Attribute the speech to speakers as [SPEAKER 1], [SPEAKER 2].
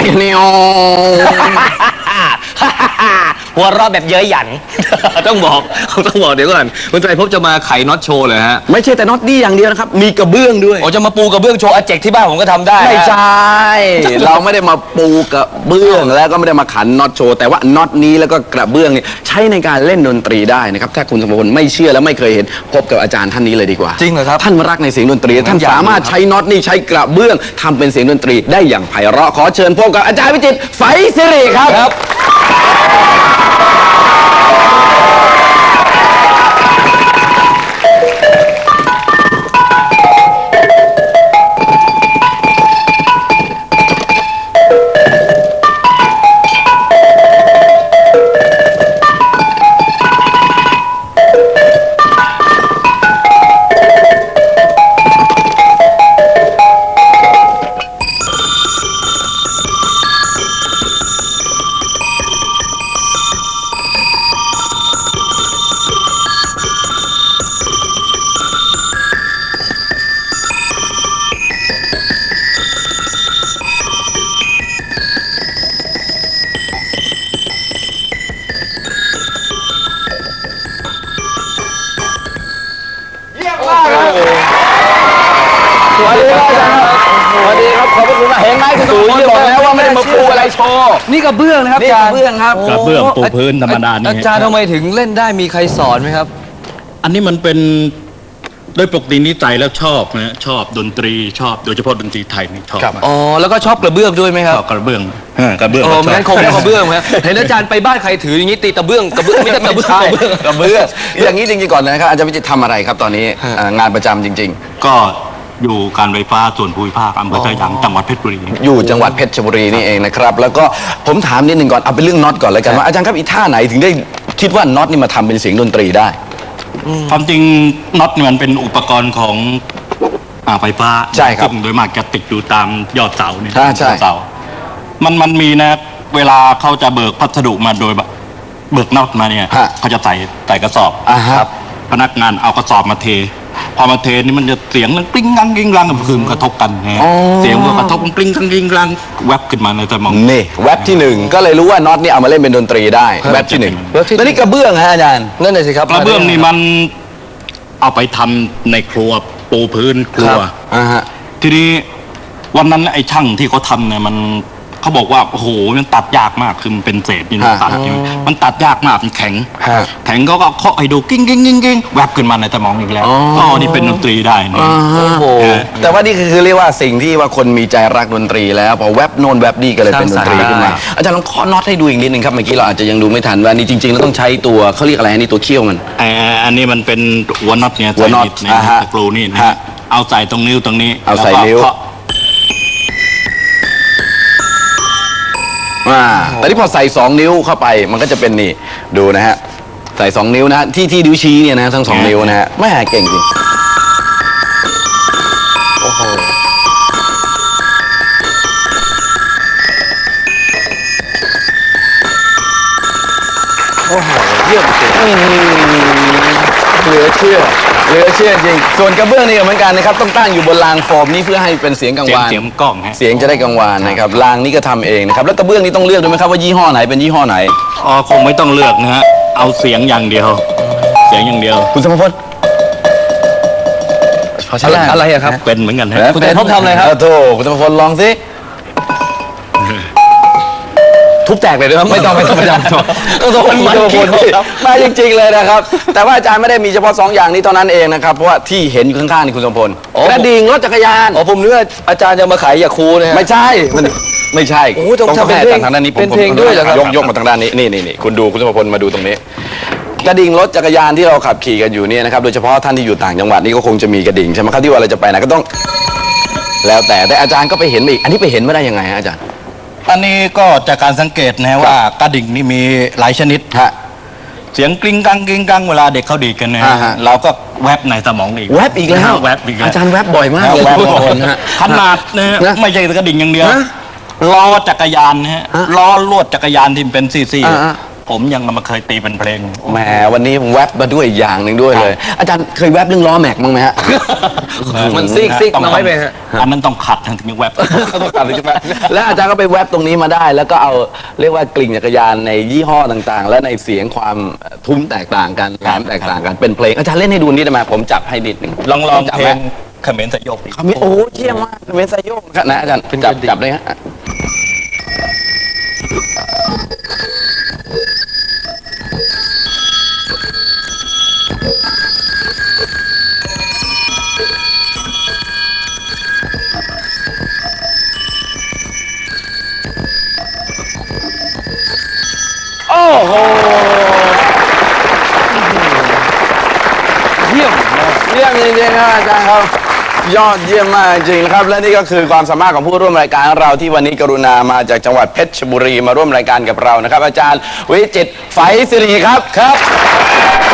[SPEAKER 1] นิว
[SPEAKER 2] หัวเราะแบบเย้ยหยัน
[SPEAKER 1] ต้องบอกเดี๋ยวก่อนคุณไตรภพจะมาไขน็อตโชว์เลยฮะไม่ใช่แต่น็อตนี่อย่างเดียวนะครับมีกระเบื้องด้วย
[SPEAKER 2] จะมาปูกระเบื้องโชว์อาเจกที่บ้านผมก็ทำได้
[SPEAKER 1] ไม่ใช่เราไม่ได้มาปูกระเบื้องแล้วก็ไม่ได้มาขันน็อตโชว์แต่ว่าน็อตนี้แล้วก็กระเบื้องนี่ใช้ในการเล่นดนตรีได้นะครับถ้าคุณสมพลไม่เชื่อและไม่เคยเห็นพบกับอาจารย์ท่านนี้เลยดีกว่า
[SPEAKER 2] จริงเหรอครับ
[SPEAKER 1] ท่านรักในเสียงดนตรีท่านสามารถใช้น็อตนี่ใช้กระเบื้องทำเป็นเสียงดนตรีได้อย่างไพเราะขอเชิญพบกับอาจารย์วิจิตรไฝศิริครับสวัสดีครับอาจารย์สวัสดีครับขอบคุณมากเห็นไหมคุณตู่บอกแล้วว่าไม่ได้มาปูอะไรโชว์
[SPEAKER 2] นี่กระเบื้องนะครับอาจารย์
[SPEAKER 1] กระเบื้องครับ
[SPEAKER 3] กระเบื้องปูพื้นธรรมดานี่
[SPEAKER 2] อาจารย์ทำไมถึงเล่นได้มีใครสอนไหมครับ
[SPEAKER 3] อันนี้มันเป็นโดยปกตินิสัยแล้วชอบนะชอบดนตรีชอบโดยเฉพาะดนตรีไทยนี่ชอบ
[SPEAKER 2] แล้วก็ชอบกระเบื้องด้วยไหมครับ
[SPEAKER 3] กระเบื้อง
[SPEAKER 2] งั้นคงไม่กระเบื้องไหมเห็นอาจารย์ไปบ้านใครถืออย่างนี้ตีกระเบื้องไม่ใช่กระเบื้อง
[SPEAKER 1] อย่างนี้จริงๆก่อนนะครับอาจารย์วิจิตรทำอะไรครับตอนนี้งานประจำจริง
[SPEAKER 3] ๆก็อยู่การไฟฟ้าส่วนภูมิภาคอำเภอไทยดังจังหวัดเพชรบุรี
[SPEAKER 1] อยู่จังหวัดเพชรบุรีนี่เองนะครับแล้วก็ผมถามนิดหนึ่งก่อนเอาเป็นเรื่องน็อตก่อนเลยกันว่าอาจารย์ครับอีท่าไหนถึงได้คิดว่าน็อตนี่มาทำเป็นเสียงดนตรีได้
[SPEAKER 3] ความจริงน็อตนี่มันเป็นอุปกรณ์ของไฟฟ้า
[SPEAKER 1] ใช่ครับ
[SPEAKER 3] โดยมากจะติดอยู่ตามยอดเสาเนี่ย
[SPEAKER 1] ใช่
[SPEAKER 3] เสามันมีนะเวลาเขาจะเบิกพัสดุมาโดยเบิกน็อตมาเนี่ยเขาจะใส่กระสอบ
[SPEAKER 1] ครับ
[SPEAKER 3] พนักงานเอากระสอบมาเทพอมาเทนี่มันจะเสียงกลิ้งกังกิ้งกังคือมันกระทบกันฮะเสียงมันกระทบกลิ้งกังกิ้งกังแวบขึ้นมาในสมอง
[SPEAKER 1] นี่แวบที่1ก็เลยรู้ว่าน็อตนี่เอามาเล่นเป็นดนตรีได้แวบที่1แล้วนี่กระเบื้องฮะอาจารย์
[SPEAKER 2] นั่นเลยสิครับ
[SPEAKER 3] กระเบื้องนี่มันเอาไปทำในครัวปูพื้นครัวทีนี้วันนั้นไอ้ช่างที่เขาทำเนี่ยเขาบอกว่าโอ้โหมันตัดยากมากคือมันเป็นเศษนี่ตัดมันตัดยากมากมันแข็งเขาก็เคาะให้ดูกิ้งกิ้งกิ้งกิ้งแวบขึ้นมาในสมองอีกแล้วนี่เป็นดนตรีได้นี่
[SPEAKER 1] แต่ว่านี่คือเรียกว่าสิ่งที่ว่าคนมีใจรักดนตรีแล้วพอแวบโน่นแวบนี่ก็เลยเป็นดนตรีขึ้นมาอาจารย์ลองเคาะน็อตให้ดูอีกนิดนึงครับเมื่อกี้เราอาจจะยังดูไม่ทันว่านี่จริงๆแล้วต้องใช้ตัวเขาเรียกอะไรนี่ตัวเขี้ยวมัน
[SPEAKER 3] อันนี้มันเป็นหัวน็อตเนี่ย
[SPEAKER 1] หัวน็อต
[SPEAKER 3] ตะกรูนี่นะเอาใส่ตรงนิ้วตรงนี้
[SPEAKER 1] เอาใส่นิ้วแต่ที่พอใส่2นิ้วเข้าไปมันก็จะเป็นนี่ดูนะฮะใส่2นิ้วนะที่นิ้วชี้เนี่ยนะทั้ง2นิ้วนะฮะไม่เก่งจริงโอ้โหเยี่ยมจริงเหลือเชื่อจริงส่วนกระเบื้องนี่เหมือนกันนะครับต้องตั้งอยู่บนรางโฟมนี่เพื่อให้เป็นเสียงกังวาน
[SPEAKER 3] เสียงกล้อง
[SPEAKER 1] เสียงจะได้กังวานนะครับรางนี้ก็ทำเองนะครับแล้วกระเบื้องนี่ต้องเลือกด้วยไหมครับว่ายี่ห้อไหนเป็นยี่ห้อไหน
[SPEAKER 3] คงไม่ต้องเลือกนะฮะเอาเสียงอย่างเดียว
[SPEAKER 1] คุณสมพล
[SPEAKER 2] อะไรครับ
[SPEAKER 3] เป็นเหมือนกันฮะ
[SPEAKER 2] คุณแต่ทำอะไรครับ
[SPEAKER 1] โธ่คุณสมพลลองสิทุบแตกเลยนะครับไม่ต้องต้องโดนมาจริงๆเลยนะครับแต่ว่าอาจารย์ไม่ได้มีเฉพาะ2อย่างนี้เท่านั้นเองนะครับเพราะว่าที่เห็นอยู่ข้างๆนี่คุณสมพลกระดิ่งรถจักรยาน
[SPEAKER 2] ผมนึกว่าอาจารย์จะมาขายยาคูนะฮะ
[SPEAKER 1] ไม่ใช่ต้องทำเป็นทางด้านนี้
[SPEAKER 2] เป็นเพลงด้วยเหรอครับ
[SPEAKER 1] ยกมาทางด้านนี้นี่คุณดูคุณสมพลมาดูตรงนี้กระดิ่งรถจักรยานที่เราขับขี่กันอยู่เนี่ยนะครับโดยเฉพาะท่านที่อยู่ต่างจังหวัดนี่ก็คงจะมีกระดิ่งใช่ไหมครับที่ว่าเราจะไปไหนก็ต้องแล้วแต่อาจารย์ก็ไปเห็นอีกอันนี้ไปเห็นไม่ได้ยังไงฮะอาจารย์
[SPEAKER 3] อันนี้ก็จากการสังเกตนะว่ากระดิ่งนี่มีหลายชนิดเสียงกลิ้งกังเวลาเด็กเขาดีกันนะเราก็แวบในสมองอีก
[SPEAKER 1] แวบอีกแล้วอาจารย์แวบบ่อยมาก
[SPEAKER 3] ขนาดนะไม่ใช่กระดิ่งอย่างเดียวล้อจักรยานนะฮะล้อลวดจักรยานที่เป็นซีผมยังไม่เคยตีเป็นเพลง
[SPEAKER 1] แหมวันนี้แวบมาด้วยอีกอย่างหนึ่งด้วยเลย อาจารย์เคยแวบเรื่องล้อแม็กมั้างไหมฮะ
[SPEAKER 2] มันซีกน้อยไปฮะ
[SPEAKER 3] อันนั้นต้องขัดถึงจะแวบ
[SPEAKER 1] ต้องการเลยใช่ไหมแล้วอาจารย์ก็ไปแวบตรงนี้มาได้ แล้วก็เอาเรียกว่ากลิ่งจักรยานในยี่ห้อต่างๆ และในเสียงความทุ้มแตกต่างกันแหลมแตกต่างกันเป็นเพลงอาจารย์เล่นให้ดูนิดได้ไหมผมจับให้นิดหนึง
[SPEAKER 3] ลอง
[SPEAKER 1] จับ
[SPEAKER 3] เพ
[SPEAKER 1] ไห
[SPEAKER 3] ล
[SPEAKER 1] ม
[SPEAKER 3] งเขมรสยบ
[SPEAKER 1] เขามีโอ้เยี่ยมมากเวนไซโยกนะอาจารย์จับเลยฮะโอ้โหเยี่ยมจริงๆครับอาจารย์ครับยอดเยี่ยมมากจริงครับและนี่ก็คือความสามารถของผู้ร่วมรายการเราที่วันนี้กรุณามาจากจังหวัดเพชรบุรีมาร่วมรายการกับเรานะครับอาจารย์วิจิตรไฝศิริครับ